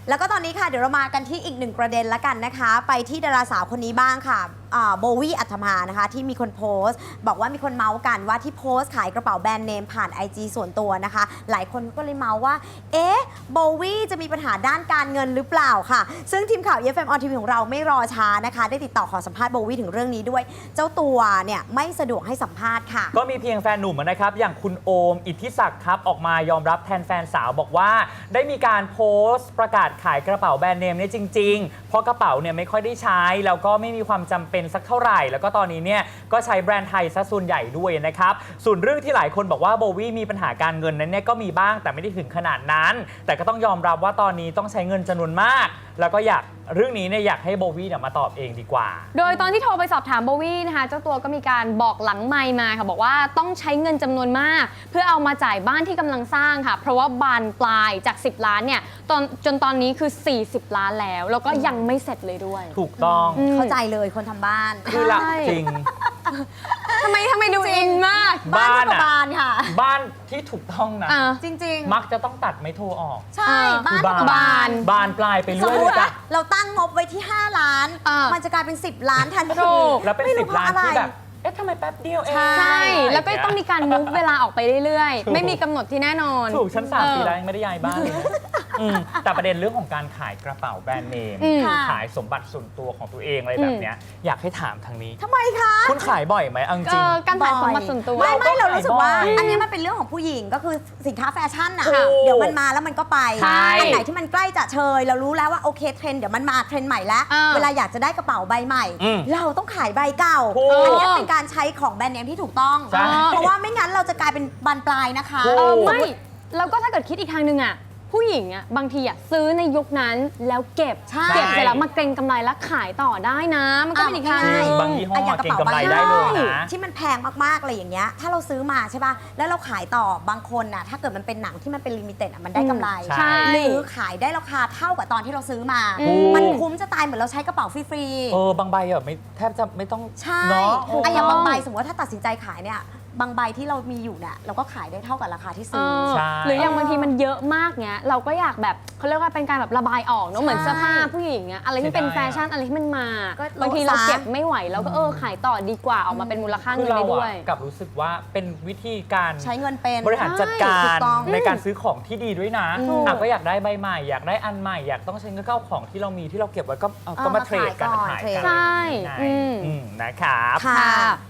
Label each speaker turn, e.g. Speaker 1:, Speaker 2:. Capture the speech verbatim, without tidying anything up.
Speaker 1: แล้วก็ตอนนี้ค่ะเดี๋ยวเรามากันที่อีกหนึ่งประเด็นละกันนะคะ ไปที่ดาราสาวคนนี้บ้างค่ะโบวี่อัธมานะคะที่มีคนโพสต์บอกว่ามีคนเมาส์กันว่าที่โพสต์ขายกระเป๋าแบรนด์เนมผ่าน ไอ จี ส่วนตัวนะคะ หลายคนก็เลยเมาส์ว่าเอ๊ะโบวี่จะมีปัญหาด้านการเงินหรือเปล่าค่ะซึ่งทีมข่าว อี เอฟ เอ็ม ออน ที วี ของเราไม่รอช้านะคะได้ติดต่อขอสัมภาษณ์โบวี่ถึงเรื่องนี้ด้วยเจ้าตัวเนี่ยไม่สะดวกให้สัมภาษณ์ค่ะ
Speaker 2: ก็มีเพียงแฟนหนุ่มนะครับอย่างคุณโอมอิทธิศักดิ์ครับออกมายอมรับแทนแฟนสาวบอกว่าได้มีการโพสต์ประกาศขายกระเป๋าแบรนด์เนมเนี่ยจริงๆเพราะกระเป๋าเนี่ยไม่ค่อยได้ใช้แล้วก็ไม่มีความจำเป็นสักเท่าไหร่แล้วก็ตอนนี้เนี่ยก็ใช้แบรนด์ไทยซะส่วนใหญ่ด้วยนะครับส่วนเรื่องที่หลายคนบอกว่าโบวี่มีปัญหาการเงินนั้นเนี่ยก็มีบ้างแต่ไม่ได้ถึงขนาดนั้นแต่ก็ต้องยอมรับว่าตอนนี้ต้องใช้เงินจำนวนมากแล้วก็อยากเรื่องนี้เนี่ยอยากให้โบวี่เนี่ยมาตอบเองดีกว่า
Speaker 3: โดยตอนที่โทรไปสอบถามโบวี่นะคะเจ้าตัวก็มีการบอกหลังไมค์มาค่ะบอกว่าต้องใช้เงินจำนวนมากเพื่อเอามาจ่ายบ้านที่กำลังสร้างค่ะเพราะว่าบานปลายจากสิบล้านเนี่ยตอนจนตอนนี้คือสี่สิบล้านแล้วแล้วก็ยังไม่เสร็จเลยด้วย
Speaker 2: ถูกต้อง
Speaker 1: เข้าใจเลยคนทำบ้าน
Speaker 2: คือหลักจริง
Speaker 3: ทำไมทำไมดูอินมาก
Speaker 1: บ้านก็บ้านค่ะ
Speaker 2: บ้านที่ถูกต้องนะ
Speaker 1: จริง
Speaker 2: ๆมักจะต้องตัดไม้โทออก
Speaker 1: ใช่บ้านก็
Speaker 3: บ้าน
Speaker 2: บานปลายไปเรื่อยเลยจ้ะ
Speaker 1: เราตั้งงบไว้ที่ห้าล้านมันจะกลายเป็นสิบล้านทันที
Speaker 2: แล้วเป็นสิบล้านที่แบบเอ๊ะทำไมแป๊บเดียวเอง
Speaker 3: ใช่แล้วก็ต้องมีการมุฟเวลาออกไปเรื่อยๆไม่มีกำหนดที่แน่นอน
Speaker 2: ถูกชั้นสามปีแล้วยังไม่ได้ย้ายบ้านเลยแต่ประเด็นเรื่องของการขายกระเป๋าแบรนด์เนมขายสมบัติส่วนตัวของตัวเองอะไรแบบเนี้ยอยากให้ถามทางนี้
Speaker 1: ทำไมคะ
Speaker 2: คุณขายบ่อยไหมอังจริง
Speaker 3: การขายสมบัติส่วนตัว
Speaker 1: ไม่ไม่เรารู้สึกว่าอันนี้มันเป็นเรื่องของผู้หญิงก็คือสินค้าแฟชั่นอ่ะเดี๋ยวมันมาแล้วมันก็ไปอันไหนที่มันใกล้จะเชยเรารู้แล้วว่าโอเคเทรนด์เดี๋ยวมันมาเทรนด์ใหม่แล้วเวลาอยากจะได้กระเป๋าใบใหม่เราต้องขายใบเก่าอันนี้เป็นการใช้ของแบรนด์เนมที่ถูกต้องเพราะว่าไม่งั้นเราจะกลายเป็นบานปลายนะคะ
Speaker 3: ไม่แล้วก็ถ้าเกิดคิดอีกทางหนึ่งอ่ะผู้หญิงอ่ะบางทีอ่ะซื้อในยุคนั้นแล้วเก็บเก็บเสร็จแล้วมาเก็งกำไรแล้วขายต่อได้นะมันก็เป็นอีกทางนึง
Speaker 2: บางยี่ห้อเก็งกำไรได้เลยนะ
Speaker 1: ที่มันแพงมากๆอะไรอย่างเงี้ยถ้าเราซื้อมาใช่ป่ะแล้วเราขายต่อบางคนน่ะถ้าเกิดมันเป็นหนังที่มันเป็นลิมิเต็ดอ่ะมันได้กำไรหรือขายได้ราคาเท่ากับตอนที่เราซื้อมามันคุ้มจะตายเหมือนเราใช้กระเป๋าฟรี
Speaker 2: ๆเออบางใบอ่ะไม่แทบจะไม่ต้อง
Speaker 1: ใช่ไอ้อย่างบางใบสมมติว่าถ้าตัดสินใจขายเนี่ยบางใบที่เรามีอยู่เนี่ยเราก็ขายได้เท่ากับราคาที่ซื้อ
Speaker 3: หรืออย่างบางทีมันเยอะมากเนี้ยเราก็อยากแบบเขาเรียกว่าเป็นการแบบระบายออกเนาะเหมือนเสื้อผ้าผู้หญิงอะอะไรที่เป็นแฟชั่นอะไรที่มันมาบางทีเราเก็บไม่ไหวแล้วก็เออขายต่อดีกว่าออกมาเป็นมูลค่าเงินได้ด้วย
Speaker 2: กับรู้สึกว่าเป็นวิธีการ
Speaker 1: ใช้เงินเป็น
Speaker 2: บริหารจัดการในการซื้อของที่ดีด้วยนะอ่ะก็อยากได้ใบใหม่อยากได้อันใหม่อยากต้องใช้เงินเข้าของที่เรามีที่เราเก็บไว้ก็ก็มาเทรดกันขายกัน
Speaker 3: ใช่
Speaker 2: นะครับ